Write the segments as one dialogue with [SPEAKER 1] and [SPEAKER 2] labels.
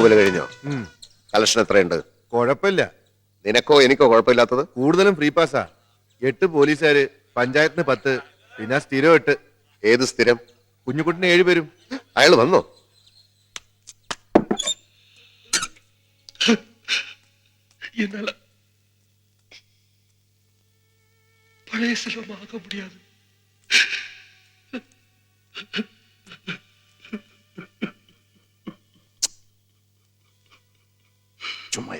[SPEAKER 1] തൂവല് കഴിഞ്ഞോ? കളക്ഷൻ എത്രയുണ്ട്?
[SPEAKER 2] കുഴപ്പമില്ല.
[SPEAKER 1] നിനക്കോ എനിക്കോ കുഴപ്പമില്ലാത്തത്?
[SPEAKER 2] കൂടുതലും ഫ്രീ പാസ്സാ. 8 പോലീസുകാര്, പഞ്ചായത്തിന് 10, പിന്നെ സ്ഥിരം 8.
[SPEAKER 1] ഏത് സ്ഥിരം?
[SPEAKER 2] കുഞ്ഞുകുട്ടിന് 7 പേരും.
[SPEAKER 1] അയാൾ വന്നോ?
[SPEAKER 3] என்னால பழைய செல்வமாக முடியாது.
[SPEAKER 1] ചുമ്മാ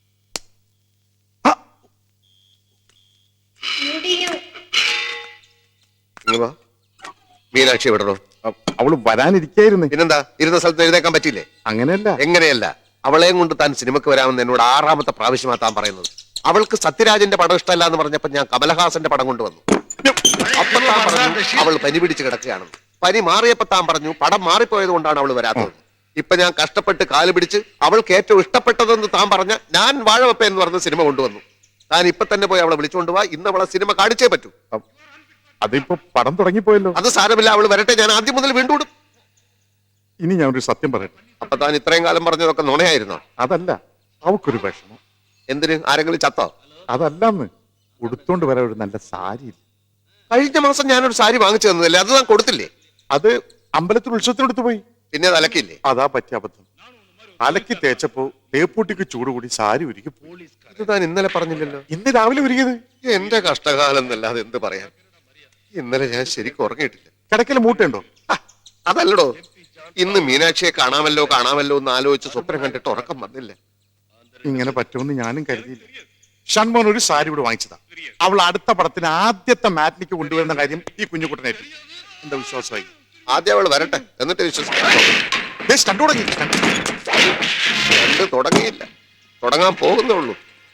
[SPEAKER 1] മീനാക്ഷി വിടണോ?
[SPEAKER 4] അവള് വരാനിരിക്കായിരുന്നു.
[SPEAKER 1] പിന്നെന്താ, ഇരുന്ന സ്ഥലത്ത് എഴുതേക്കാൻ പറ്റില്ലേ?
[SPEAKER 4] അങ്ങനെയല്ല.
[SPEAKER 1] എങ്ങനെയല്ല? അവളെയും കൊണ്ട് താൻ സിനിമക്ക് വരാമെന്ന് എന്നോട് 6ാമത്തെ പ്രാവശ്യമാ താൻ പറയുന്നത്. അവൾക്ക് സത്യരാജന്റെ പടം ഇഷ്ടമല്ല എന്ന് പറഞ്ഞപ്പോ ഞാൻ കമലഹാസന്റെ പടം കൊണ്ടുവന്നു. അപ്പൊ താൻ പറഞ്ഞു അവൾ പനി പിടിച്ച് കിടക്കുകയാണെന്ന്. പനി മാറിയപ്പോ താൻ പറഞ്ഞു പടം മാറിപ്പോയത് കൊണ്ടാണ് അവൾ വരാത്തത്. ഇപ്പൊ ഞാൻ കഷ്ടപ്പെട്ട് കാല് പിടിച്ച് അവൾക്ക് ഏറ്റവും ഇഷ്ടപ്പെട്ടതെന്ന് താൻ പറഞ്ഞ ഞാൻ വാഴവപ്പ എന്ന് പറഞ്ഞ സിനിമ കൊണ്ടുവന്നു. താൻ ഇപ്പൊ തന്നെ പോയി അവളെ വിളിച്ചുകൊണ്ടുപോവാ. ഇന്ന് അവളെ സിനിമ കാണിച്ചേ പറ്റൂ.
[SPEAKER 4] അതിപ്പോ പടം തുടങ്ങിപ്പോയല്ലോ.
[SPEAKER 1] അത് സാരമില്ല, അവൾ വരട്ടെ. ഞാൻ ആദ്യം മുതൽ വീണ്ടും.
[SPEAKER 4] ഇനി ഞാൻ ഒരു സത്യം പറയട്ടെ.
[SPEAKER 1] അപ്പൊ താൻ ഇത്രയും കാലം പറഞ്ഞതൊക്കെ നുണയായിരുന്നോ?
[SPEAKER 4] അതല്ല, അവക്കൊരു വിഷമം.
[SPEAKER 1] എന്തിന്? ആരെങ്കിലും ചത്തോ?
[SPEAKER 4] അതല്ലെന്ന്, ഉടുത്തോണ്ട് വരാൻ ഒരു നല്ല സാരി ഇല്ല.
[SPEAKER 1] കഴിഞ്ഞ മാസം ഞാനൊരു സാരി വാങ്ങിച്ചു തന്നതല്ലേ, അത് താൻ കൊടുത്തില്ലേ?
[SPEAKER 4] അത് അമ്പലത്തിൽ ഉത്സവത്തിനെടുത്ത് പോയി.
[SPEAKER 1] പിന്നെ അത് അലക്കില്ലേ?
[SPEAKER 4] അതാ പറ്റിയ അബദ്ധം. അലക്കി തേച്ചപ്പോ തേപ്പൂട്ടിക്ക് ചൂട് കൂടി സാരി ഉരുക്കി.
[SPEAKER 1] ഇത് താൻ ഇന്നലെ പറഞ്ഞില്ലല്ലോ.
[SPEAKER 4] ഇന്ന് രാവിലെ ഉരുകിയത്.
[SPEAKER 1] എന്റെ കഷ്ടകാലം എന്നല്ലാതെ എന്ത് പറയാൻ. ഇന്നലെ ഞാൻ ശരിക്കും ഉറങ്ങിയിട്ടില്ല.
[SPEAKER 4] കിടക്കൽ മൂട്ടുണ്ടോ?
[SPEAKER 1] അതല്ലടോ, ഇന്ന് മീനാക്ഷിയെ കാണാമല്ലോ എന്ന് ആലോചിച്ച് സ്വപ്നം കണ്ടിട്ട് ഉറക്കം വന്നില്ല.
[SPEAKER 4] ഇങ്ങനെ പറ്റുമെന്ന് ഞാനും കരുതിയില്ല. ഷൺമോൻ ഒരു സാരി ഇവിടെ വാങ്ങിച്ചതാ. അവൾ അടുത്ത പടത്തിന് ആദ്യത്തെ മാറ്റിനിക്ക് കൊണ്ടുവരുന്ന കാര്യം ഈ കുഞ്ഞുകുട്ടനായിട്ട് എന്താ വിശ്വാസമായി.
[SPEAKER 1] ആദ്യം അവൾ വരട്ടെ, എന്നിട്ട് വിശ്വസിക്കാം. കണ്ടു തുടങ്ങിയില്ല, തുടങ്ങാൻ പോകുന്നുള്ളൂ.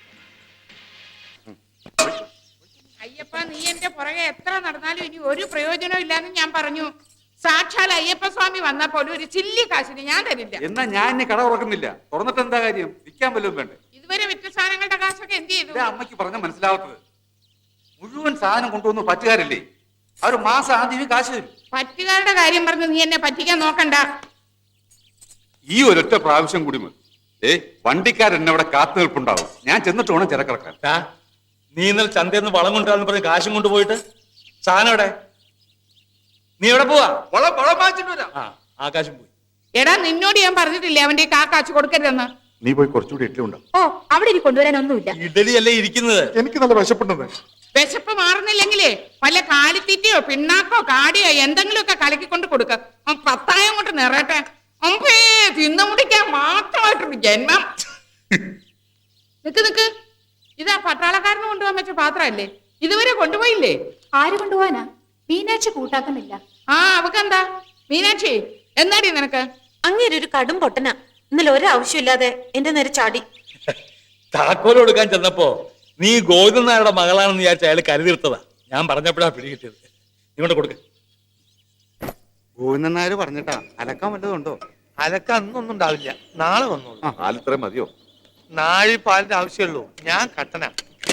[SPEAKER 5] അയ്യപ്പ, നീ എന്റെ പുറകെ എത്ര നടന്നാലും ഇനി ഒരു പ്രയോജനവും ഇല്ലാന്ന് ഞാൻ പറഞ്ഞു. സാക്ഷാൽ അയ്യപ്പ സ്വാമി വന്നാ പോലും ഒരു ചില്ലി കാശിന് ഞാൻ തരില്ല.
[SPEAKER 6] എന്നാ ഞാൻ ഇനി കട തുറക്കുന്നില്ല. തുറന്നിട്ട് എന്താ കാര്യം? വിൽക്കാൻ വല്ലതും വേണ്ടേ?
[SPEAKER 5] ഇതുവരെ വിറ്റ സാധനങ്ങളുടെ കാശൊക്കെ എന്ത് ചെയ്തു?
[SPEAKER 6] അമ്മയ്ക്ക് പറഞ്ഞ മനസ്സിലാവാത്തത്. മുഴുവൻ സാധനം കൊണ്ടുവന്ന് പറ്റുകാരില്ലേ, അവർ മാസം ആദ്യമേ കാശ് തരും.
[SPEAKER 5] പറ്റുകാരുടെ കാര്യം പറഞ്ഞ് നീ എന്നെ പറ്റിക്കാൻ നോക്കണ്ട.
[SPEAKER 6] ഈ ഒരൊറ്റ പ്രാവശ്യം കൂടി മതി. വണ്ടിക്കാരെന്നെ അവിടെ കാത്തു നിൽപ്പുണ്ടാവും. ഞാൻ ചെന്നിട്ട് വേണം ചിരക്കിറക്കാൻ.
[SPEAKER 3] നീ ഇന്നലെ ചന്തയിൽ വളം കൊണ്ടുവരാന്ന് പറഞ്ഞ് കാശും കൊണ്ടുപോയിട്ട് സാധനം എവിടെ? നീ എവിടെ പോവാ?
[SPEAKER 6] വളം വാങ്ങിച്ചിട്ട് വരാം.
[SPEAKER 3] ആകാശം പോയി.
[SPEAKER 5] എടാ, നിന്നോട് ഞാൻ പറഞ്ഞിട്ടില്ലേ അവന്റെ കാശ് കൊടുക്കരുതെന്ന്?
[SPEAKER 4] നീ പോയി കുറച്ചുകൂടി ഇഡ്ഡലി ഉണ്ടാവും.
[SPEAKER 5] ഓ, അവിടെ ഇനി കൊണ്ടുവരാനൊന്നുമില്ല.
[SPEAKER 3] ഇഡലി അല്ലേ ഇരിക്കുന്നത്.
[SPEAKER 4] എനിക്ക് നല്ല വിശപ്പുണ്ടെന്ന്.
[SPEAKER 5] വിശപ്പ് മാറുന്നില്ലെങ്കിലേ വല്ല കാലിത്തീറ്റയോ പിണ്ണാക്കോ കാടിയോ എന്തെങ്കിലുമൊക്കെ കലക്കിക്കൊണ്ട് കൊടുക്ക. 10,000 കൊണ്ട് നിറയട്ടെ. അമ്പേ, തിന്നു മുടിക്കാൻ മാത്രമായിട്ടുണ്ട് ജന്മം. നിക്ക്, ഇതാ പട്ടാളക്കാരന് കൊണ്ടുപോകാൻ വെച്ച പാത്രമല്ലേ? ഇതുവരെ കൊണ്ടുപോയില്ലേ?
[SPEAKER 7] ആര് കൊണ്ടുപോവാനാ? മീനാക്ഷി കൂട്ടാക്കുന്നില്ല.
[SPEAKER 5] അവക്കെന്താ? മീനാക്ഷി, എന്താടി നിനക്ക്?
[SPEAKER 7] അങ്ങേര് ഒരു കടും പൊട്ടന. ഇന്നലെ ഒരാവശ്യമില്ലാതെ എന്റെ നേരെ ചാടി.
[SPEAKER 3] താക്കോല് കൊടുക്കാൻ ചെന്നപ്പോ നീ ഗോവിന്ദൻ നായരുടെ മകളാണെന്ന് വിചാരിച്ച അയാൾ കരുതിർത്തതാ. ഞാൻ പറഞ്ഞപ്പോഴാ പിടികിട്ടിയത്. നീ കൊണ്ട് കൊടുക്ക.
[SPEAKER 8] ഗോവിന്ദൻ നായർ പറഞ്ഞിട്ടാ അലക്കാൻ വല്ലതുണ്ടോ?
[SPEAKER 9] അലക്കാൻ അന്നൊന്നും ഉണ്ടാവില്ല, നാളെ വന്നോളൂ.
[SPEAKER 4] പാലിത്രയും മതിയോ?
[SPEAKER 9] നാഴി പാലിന്റെ ആവശ്യമുള്ളൂ. ഞാൻ കട്ടന.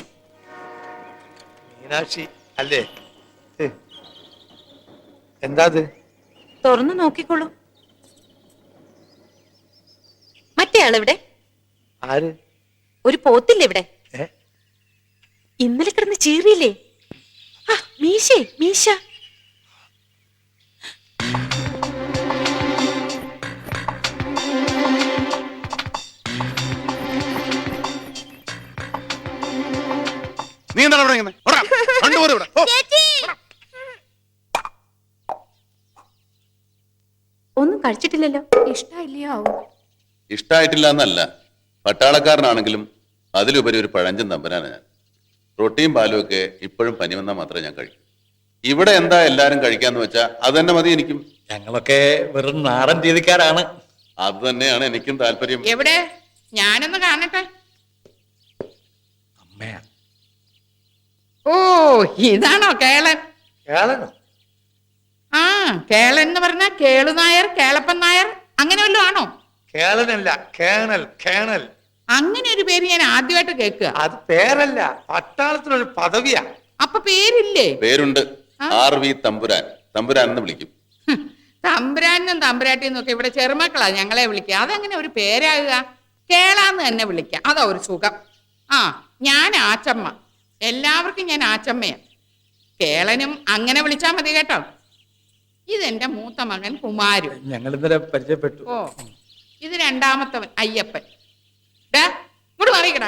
[SPEAKER 9] മീനാക്ഷി അല്ലേ? എന്താ
[SPEAKER 7] തുറന്നു നോക്കിക്കോളൂ. മറ്റേ ആളിവിടെ.
[SPEAKER 9] ആര്?
[SPEAKER 7] ഒരു പോത്തില്ലേ ഇവിടെ? ഇന്നലെ കിടന്ന് ചീറിയില്ലേ? മീശ.
[SPEAKER 4] നീ എന്താണ് ഇവിടെ ഇങ്ങനെ?
[SPEAKER 7] ഒന്നും കഴിച്ചിട്ടില്ലല്ലോ. ഇഷ്ടമില്ലയോ?
[SPEAKER 10] ഇഷ്ടായിട്ടില്ല എന്നല്ല, പട്ടാളക്കാരനാണെങ്കിലും അതിലുപരി ഒരു പഴഞ്ചൻ തമ്പനാണ് ഞാൻ. റൊട്ടിയും പാലും ഒക്കെ ഇപ്പോഴും പനി വന്നാൽ മാത്രമേ ഞാൻ കഴിക്കൂ. ഇവിടെ എന്താ എല്ലാരും കഴിക്കാന്ന് വെച്ചാ അത് തന്നെ മതി എനിക്കും.
[SPEAKER 3] ഞങ്ങളൊക്കെ വെറും നാടൻ രീതിക്കാരാണ്.
[SPEAKER 10] അത് തന്നെയാണ് എനിക്കും താല്പര്യം.
[SPEAKER 5] എവിടെ? ഞാനൊന്ന് കാണട്ടെ.
[SPEAKER 3] അമ്മയാ.
[SPEAKER 5] ഓ, ഇതാണോ കേളൻ?
[SPEAKER 9] കേളനോ?
[SPEAKER 5] കേളൻ എന്ന് പറഞ്ഞ കേളുനായർ, കേളപ്പൻ നായർ അങ്ങനെ വല്ലതും ആണോ?
[SPEAKER 9] കേളനല്ല, കേണൽ. കേണൽ
[SPEAKER 5] അങ്ങനെ ഒരു പേര് ഞാൻ ആദ്യമായിട്ട് കേൾക്കുക.
[SPEAKER 9] അത് പേരല്ല, പട്ടാളത്തിനൊരു പദവിയാ.
[SPEAKER 5] അപ്പൊ പേരില്ലേ?
[SPEAKER 10] പേരുണ്ട്. RV തമ്പുരാൻ. തമ്പുരാൻ എന്ന് വിളിക്കും.
[SPEAKER 5] തമ്പുരാനും തമ്പുരാട്ടിന്നും ഒക്കെ ഇവിടെ ചെറുമക്കളാ ഞങ്ങളെ വിളിക്കുക. അതെങ്ങനെ ഒരു പേരാകുക? കേളാന്ന് തന്നെ വിളിക്കാം, അതാ ഒരു സുഖം. ആ, ഞാൻ ആച്ചമ്മ. എല്ലാവർക്കും ഞാൻ ആച്ചമ്മയാ. കേളനും അങ്ങനെ വിളിച്ചാ മതി കേട്ടോ. ഇതെന്റെ മൂത്ത മകൻ കുമാരു.
[SPEAKER 3] ഞങ്ങൾ ഇന്നലെ പരിചയപ്പെട്ടു.
[SPEAKER 5] ഓ, ഇത് രണ്ടാമത്തവൻ അയ്യപ്പൻ. ഡാ ഇങ്ങോട്ട് മാറിക്കടാ.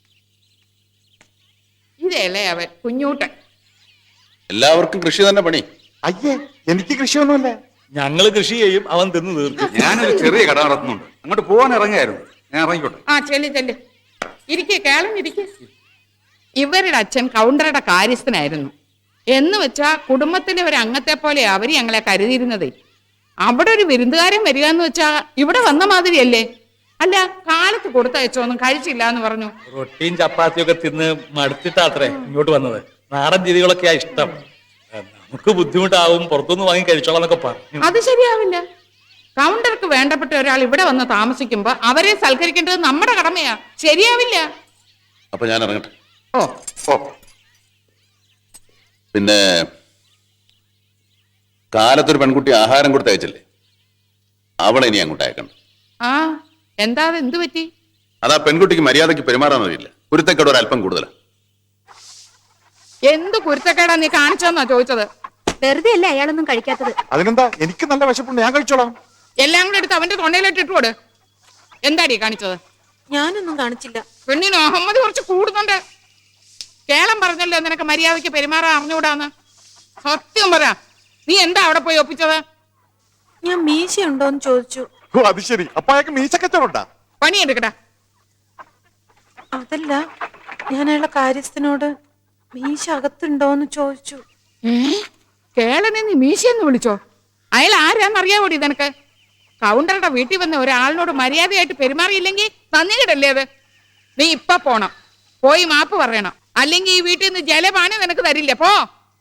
[SPEAKER 5] ഇതല്ലേ അവൻ കുഞ്ഞൂട്ടൻ.
[SPEAKER 10] എല്ലാവർക്കും കൃഷി തന്നെ പണി.
[SPEAKER 4] അയ്യേ, എനിക്ക് കൃഷിയൊന്നുമില്ല.
[SPEAKER 3] ഞങ്ങൾ കൃഷി ചെയ്യും, അവൻ തിന്ന് തീർക്കും.
[SPEAKER 6] ഞാനൊരു ചെറിയ കട നടത്തുന്നുണ്ട്, അങ്ങോട്ട് പോകാൻ ഇറങ്ങിയായിരുന്നു. ഞാൻ ഇറങ്ങിക്കോട്ടെ.
[SPEAKER 5] ആ ചെല്ല് ഇരിക്കെ, കേളം ഇരിക്കെ. ഇവരുടെ അച്ഛൻ കൗണ്ടറുടെ കാര്യസ്ഥനായിരുന്നു. എന്ന് വെച്ചാ കുടുംബത്തിലെ ഒരു അംഗത്തെ പോലെ അവര് ഞങ്ങളെ കരുതിയിരുന്നത്. അവിടെ ഒരു വിരുന്നുകാരൻ വരിക എന്ന് വെച്ചാ ഇവിടെ വന്ന മാതിരിയല്ലേ? അല്ല, കാലത്ത് കൊടുത്തയച്ചോന്നും കഴിച്ചില്ല എന്ന് പറഞ്ഞു.
[SPEAKER 3] റൊട്ടിയും ചപ്പാത്തിയും ഒക്കെ തിന്ന് മടുത്തിട്ടാത്രേ ഇങ്ങോട്ട് വന്നത്. നാടൻ രീതികളൊക്കെയാ ഇഷ്ടം. നമുക്ക് ബുദ്ധിമുട്ടാവും, പുറത്തുനിന്ന് വാങ്ങി കഴിച്ചോളാം എന്നൊക്കെ പറഞ്ഞു.
[SPEAKER 5] അത് ശരിയാവില്ല. കൗണ്ടർക്ക് വേണ്ടപ്പെട്ട ഒരാൾ ഇവിടെ വന്ന് താമസിക്കുമ്പോ അവരെ സൽക്കരിക്കേണ്ടത് നമ്മുടെ കടമയാ. ശരിയാവില്ല.
[SPEAKER 10] അപ്പൊ ഞാൻ ഇറങ്ങട്ടെ.
[SPEAKER 5] ഓ
[SPEAKER 10] ഓ, പിന്നെ കാലത്തൊരു പെൺകുട്ടി ആഹാരം കൊടുത്ത് അയച്ചില്ലേ, അവളെ ഇനി അങ്ങോട്ട് അയക്കണം.
[SPEAKER 5] ആ, എന്താ എന്ത് പറ്റി?
[SPEAKER 10] അതാ പെൺകുട്ടിക്ക് മര്യാദയ്ക്ക് പെരുമാറാൻ അറിയില്ല. കുരുത്തക്കേട് ഒരല്പം കൂടുതലാണ്.
[SPEAKER 5] എന്ത് കുരുത്തക്കേടാ നീ കാണിച്ചെന്നാ ചോദിച്ചത്?
[SPEAKER 7] വെറുതെ അല്ല അയാളൊന്നും കഴിക്കാത്തത്.
[SPEAKER 4] അതിനെന്താ, എനിക്ക് നല്ല വിശപ്പുണ്ട്, ഞാൻ കഴിച്ചോളാം.
[SPEAKER 5] എല്ലാം കൂടെ എടുത്ത് അവന്റെ തൊണ്ടയിലിട്ട് ഇട്ടുകൊട്. എന്താടി കാണിച്ചത്?
[SPEAKER 7] ഞാനൊന്നും കാണിച്ചില്ല.
[SPEAKER 5] പെണ്ണിന് അഹമ്മദ് കുറച്ച് കൂടുന്നുണ്ട്. കേളം പറഞ്ഞല്ലോ നിനക്ക് മര്യാദയ്ക്ക് പെരുമാറാൻ അറിഞ്ഞുകൂടാന്ന്. സത്യം പറ, നീ എന്താ അവിടെ പോയി ഒപ്പിച്ചത്?
[SPEAKER 7] ഞാൻ മീശ ഉണ്ടോന്ന് ചോദിച്ചു.
[SPEAKER 4] ഓ, അത് ശരി. അപ്പൊ അയാൾക്ക് മീശക്കച്ചവടാ.
[SPEAKER 5] പണിയെടുക്കടാ.
[SPEAKER 7] അതല്ല, ഞാൻ അയാളുടെ കാര്യസ്ഥനോട് മീശ അകത്തുണ്ടോന്ന് ചോദിച്ചു.
[SPEAKER 5] കേളനെ നീ മീശയെന്ന് വിളിച്ചോ? അയാൾ ആരാന്നറിയാവോടി നിനക്ക്? കൗണ്ടറുടെ വീട്ടിൽ വന്ന ഒരാളിനോട് മര്യാദയായിട്ട് പെരുമാറിയില്ലെങ്കിൽ നന്ദി കിടല്ലേ അത്? നീ ഇപ്പൊ പോണം, പോയി മാപ്പ് പറയണം. അല്ലെങ്കിൽ ഈ വീട്ടിൽ നിന്ന് ജലപാനം നിനക്ക് തരില്ല. പോ.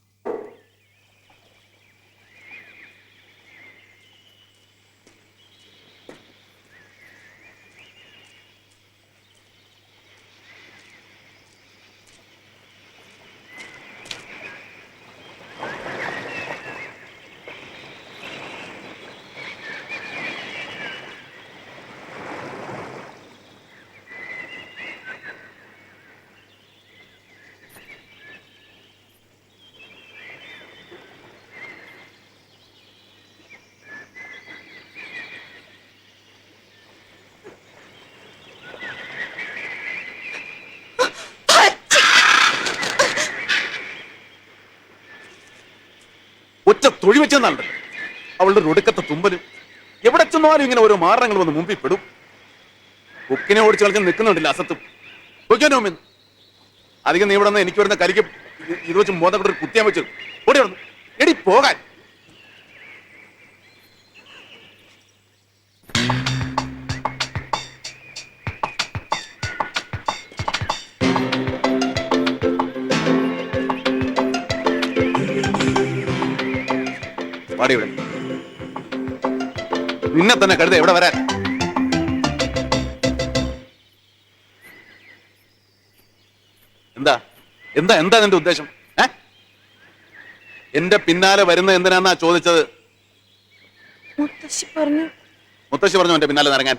[SPEAKER 2] ഒറ്റ തൊഴി വെച്ചെന്നാണ് അവളുടെ ഒടുക്കത്തെ തുമ്പലും. എവിടെ ചെന്നാലും ഇങ്ങനെ ഓരോ മാറങ്ങൾ വന്ന് മുമ്പിൽ പെടും. ബുക്കിനെ ഓടിച്ച് കളിച്ച് നിൽക്കുന്നുണ്ടല്ലോ അസത്തും. നോക്കിയാനോമെന്ന് അധികം നീ ഇവിടെ നിന്ന് എനിക്ക് വരുന്ന കരിക്ക് ഇത് വെച്ച് മോതപ്പെട്ടൊരു കുത്തിയാൻ വെച്ചു. ഓടി വന്നു എടി പോകാൻ. ഇവിടെ നിന്നെ തന്നെ കരുത എവിടെ വരാൻ? എന്താ എന്താ എന്താ നിന്റെ ഉദ്ദേശം? എന്റെ പിന്നാലെ വരുന്ന എന്തിനാന്നാ ചോദിച്ചത്?
[SPEAKER 7] മുത്തശ്ശി പറഞ്ഞു.
[SPEAKER 2] മുത്തശ്ശി പറഞ്ഞു എന്റെ പിന്നാലെ നിറങ്ങാൻ?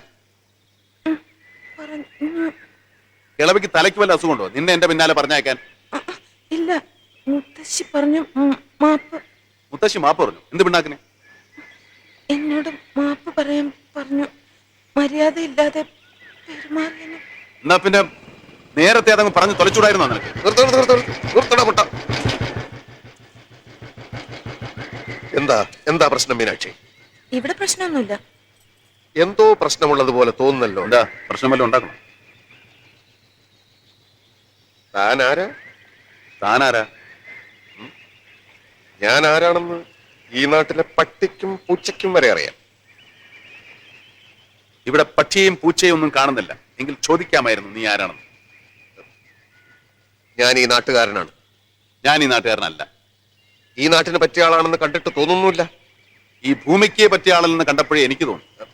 [SPEAKER 2] കിളവിക്ക് തലയ്ക്ക് വല്ല അസുഖമുണ്ടോ നിന്നെ എന്റെ പിന്നാലെ പറഞ്ഞയക്കാൻ?
[SPEAKER 7] ഇല്ല, മുത്തശ്ശി പറഞ്ഞു മാപ്പ്.
[SPEAKER 2] മുത്തശ്ശി മാപ്പ് പറഞ്ഞു? എന്ത് പിണ്ണാക്കിനെ?
[SPEAKER 7] എന്നോട് മാപ്പ് പറയാൻ പറഞ്ഞു. മര്യാദയില്ലാതെ പെരുമാറിയതിന്.
[SPEAKER 2] എന്നാ പിന്നെ നേരത്തെ അതങ്ങ് പറഞ്ഞു തൊലച്ചൂടായിരുന്നോ നിനക്ക്?
[SPEAKER 1] എന്താ എന്താ പ്രശ്നം മീനാക്ഷി?
[SPEAKER 7] ഇവിടെ പ്രശ്നമൊന്നുമില്ല.
[SPEAKER 1] എന്തോ പ്രശ്നമുള്ളതുപോലെ തോന്നുന്നല്ലോ.
[SPEAKER 2] എന്താ പ്രശ്നം വല്ലതും ഉണ്ടാക്കണം?
[SPEAKER 1] താനാരാ?
[SPEAKER 2] താനാരാ?
[SPEAKER 1] ഞാൻ ആരാണെന്ന് ഈ നാട്ടിലെ പട്ടിക്കും പൂച്ചയ്ക്കും വരെ അറിയാം.
[SPEAKER 2] ഇവിടെ പക്ഷിയെയും പൂച്ചയും ഒന്നും കാണുന്നില്ല. എങ്കിൽ ചോദിക്കാമായിരുന്നു നീ ആരാണെന്ന്.
[SPEAKER 1] ഞാൻ ഈ നാട്ടുകാരനാണ്.
[SPEAKER 2] ഞാൻ ഈ നാട്ടുകാരനല്ല.
[SPEAKER 1] ഈ നാട്ടിന് പറ്റിയ ആളാണെന്ന് കണ്ടിട്ട് തോന്നുന്നില്ല.
[SPEAKER 2] ഈ ഭൂമിക്ക് പറ്റിയ ആളെന്ന് കണ്ടപ്പോഴേ എനിക്ക് തോന്നി.